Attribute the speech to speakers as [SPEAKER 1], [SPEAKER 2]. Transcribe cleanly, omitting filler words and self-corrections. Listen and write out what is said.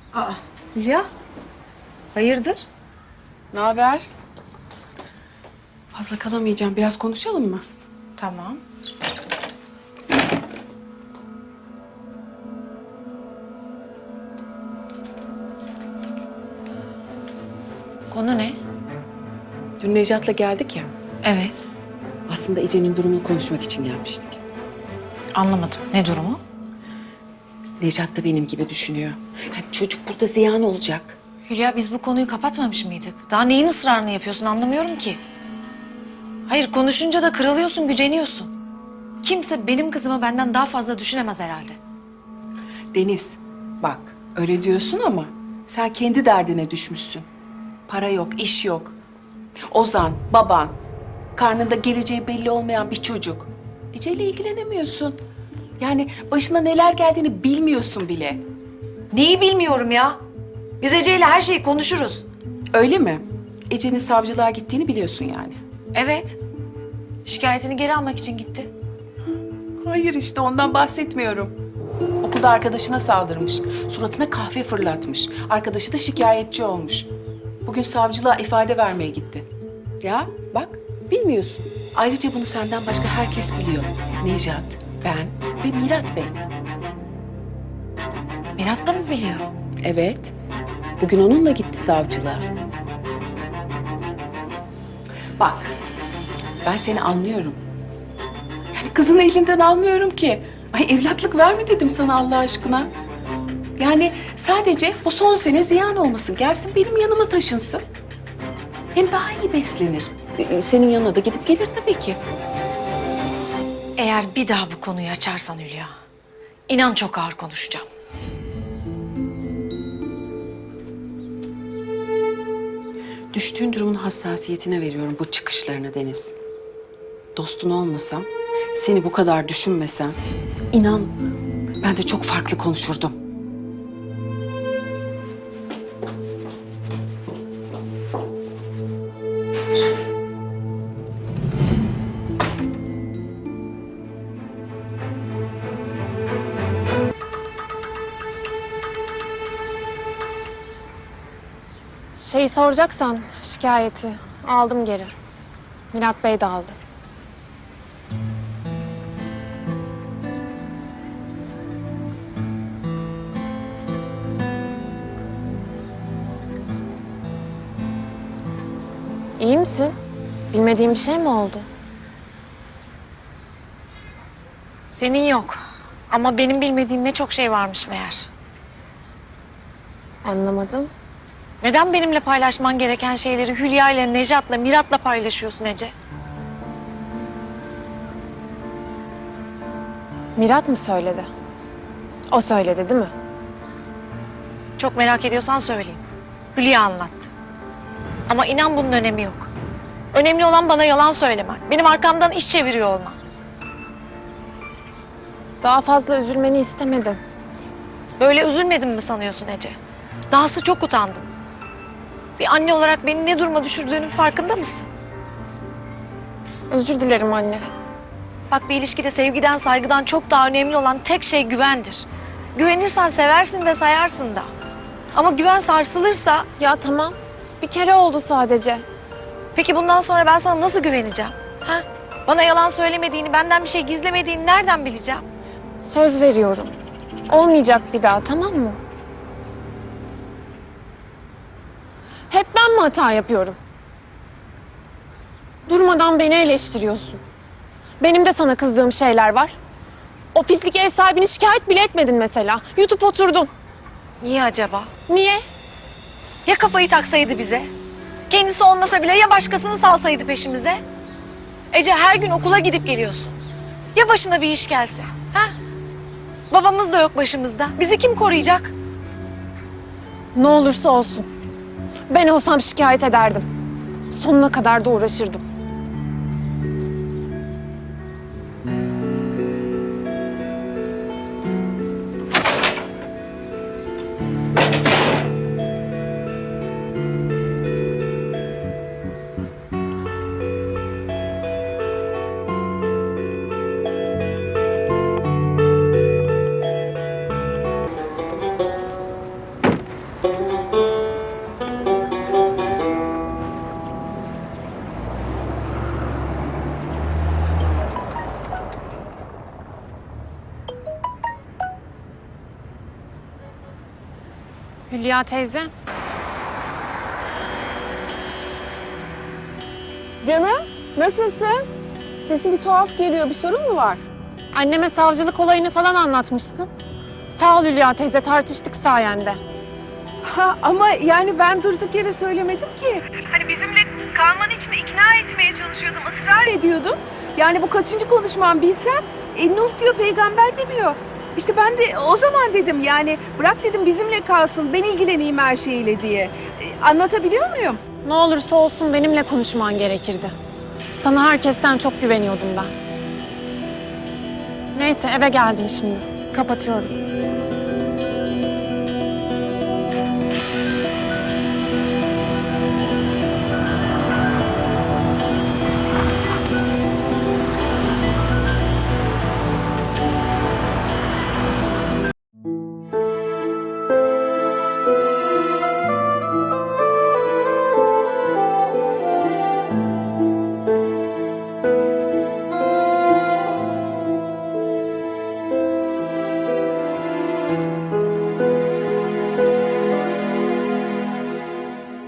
[SPEAKER 1] Aa, Hülya. Hayırdır?
[SPEAKER 2] Ne haber? Fazla kalamayacağım. Biraz konuşalım mı?
[SPEAKER 1] Tamam. Konu ne?
[SPEAKER 2] Dün Necat'la geldik ya.
[SPEAKER 1] Evet.
[SPEAKER 2] Aslında Ece'nin durumunu konuşmak için gelmiştik.
[SPEAKER 1] Anlamadım. Ne durumu?
[SPEAKER 2] Necat da benim gibi düşünüyor. Yani çocuk burada ziyan olacak.
[SPEAKER 1] Hülya biz bu konuyu kapatmamış mıydık? Daha neyin ısrarını yapıyorsun anlamıyorum ki. Hayır konuşunca da kırılıyorsun, güceniyorsun. Kimse benim kızımı benden daha fazla düşünemez herhalde.
[SPEAKER 2] Deniz, bak öyle diyorsun ama sen kendi derdine düşmüşsün. Para yok, iş yok. Ozan, baban, karnında geleceği belli olmayan bir çocuk. Ece'yle ilgilenemiyorsun. Yani başına neler geldiğini bilmiyorsun bile.
[SPEAKER 1] Neyi bilmiyorum ya. Biz Ece'yle her şeyi konuşuruz.
[SPEAKER 2] Öyle mi? Ece'nin savcılığa gittiğini biliyorsun yani.
[SPEAKER 1] Evet. Şikayetini geri almak için gitti.
[SPEAKER 2] Hayır işte ondan bahsetmiyorum. Okulda arkadaşına saldırmış. Suratına kahve fırlatmış. Arkadaşı da şikayetçi olmuş. Bugün savcılığa ifade vermeye gitti. Ya bak bilmiyorsun. Ayrıca bunu senden başka herkes biliyor. Nejat, ben ve Mirat Bey.
[SPEAKER 1] Mirat da mı biliyor?
[SPEAKER 2] Evet. Bugün onunla gitti savcılığa. Bak, ben seni anlıyorum. Yani kızını elinden almıyorum ki. Ay evlatlık verme dedim sana Allah aşkına. Yani sadece bu son sene ziyan olmasın. Gelsin benim yanıma taşınsın. Hem daha iyi beslenir. Senin yanına da gidip gelir tabii ki.
[SPEAKER 1] Eğer bir daha bu konuyu açarsan Hülya, inan çok ağır konuşacağım.
[SPEAKER 2] Düştüğün durumun hassasiyetine veriyorum bu çıkışlarını Deniz. Dostun olmasam, seni bu kadar düşünmesem, inan ben de çok farklı konuşurdum.
[SPEAKER 3] Şeyi soracaksan şikayeti aldım geri. Mirat Bey de aldı. İyi misin? Bilmediğin bir şey mi oldu?
[SPEAKER 1] Senin yok. Ama benim bilmediğim ne çok şey varmış meğer.
[SPEAKER 3] Anlamadım.
[SPEAKER 1] Neden benimle paylaşman gereken şeyleri Hülya ile Nejat'la, Mirat'la paylaşıyorsun Ece?
[SPEAKER 3] Mirat mı söyledi? O söyledi değil mi?
[SPEAKER 1] Çok merak ediyorsan söyleyeyim. Hülya anlattı. Ama inan bunun önemi yok. Önemli olan bana yalan söylemen. Benim arkamdan iş çeviriyor olman.
[SPEAKER 3] Daha fazla üzülmeni istemedim.
[SPEAKER 1] Böyle üzülmedim mi sanıyorsun Ece? Dahası çok utandım. Bir anne olarak beni ne duruma düşürdüğünün farkında mısın?
[SPEAKER 3] Özür dilerim anne.
[SPEAKER 1] Bak bir ilişkide sevgiden, saygıdan çok daha önemli olan tek şey güvendir. Güvenirsen seversin de sayarsın da. Ama güven sarsılırsa...
[SPEAKER 3] Ya tamam. Bir kere oldu sadece.
[SPEAKER 1] Peki bundan sonra ben sana nasıl güveneceğim? Ha? Bana yalan söylemediğini, benden bir şey gizlemediğini nereden bileceğim?
[SPEAKER 3] Söz veriyorum. Olmayacak bir daha, tamam mı? Hep ben mi hata yapıyorum? Durmadan beni eleştiriyorsun. Benim de sana kızdığım şeyler var. O pislik ev sahibini şikayet bile etmedin mesela. YouTube oturdun.
[SPEAKER 1] Niye acaba?
[SPEAKER 3] Niye?
[SPEAKER 1] Ya kafayı taksaydı bize? Kendisi olmasa bile ya başkasını salsaydı peşimize? Ece her gün okula gidip geliyorsun. Ya başına bir iş gelse? Ha? Babamız da yok başımızda. Bizi kim koruyacak?
[SPEAKER 3] Ne olursa olsun. Ben olsam şikayet ederdim. Sonuna kadar da uğraşırdım. Hülya teyze.
[SPEAKER 4] Canım, nasılsın? Sesin bir tuhaf geliyor. Bir sorun mu var?
[SPEAKER 3] Anneme savcılık olayını falan anlatmışsın. Sağ ol Hülya teyze, tartıştık sayende.
[SPEAKER 4] Ha, ama yani ben durduk yere söylemedim ki.
[SPEAKER 5] Hani bizimle kalman için ikna etmeye çalışıyordum, ısrar
[SPEAKER 4] Ediyordum. Yani bu kaçıncı konuşmam bilsem. Nuh diyor, peygamber demiyor. İşte ben de o zaman dedim yani bırak dedim bizimle kalsın, ben ilgileneyim her şeyle diye. Anlatabiliyor muyum?
[SPEAKER 3] Ne olursa olsun benimle konuşman gerekirdi. Sana herkesten çok güveniyordum ben. Neyse eve geldim şimdi. Kapatıyorum.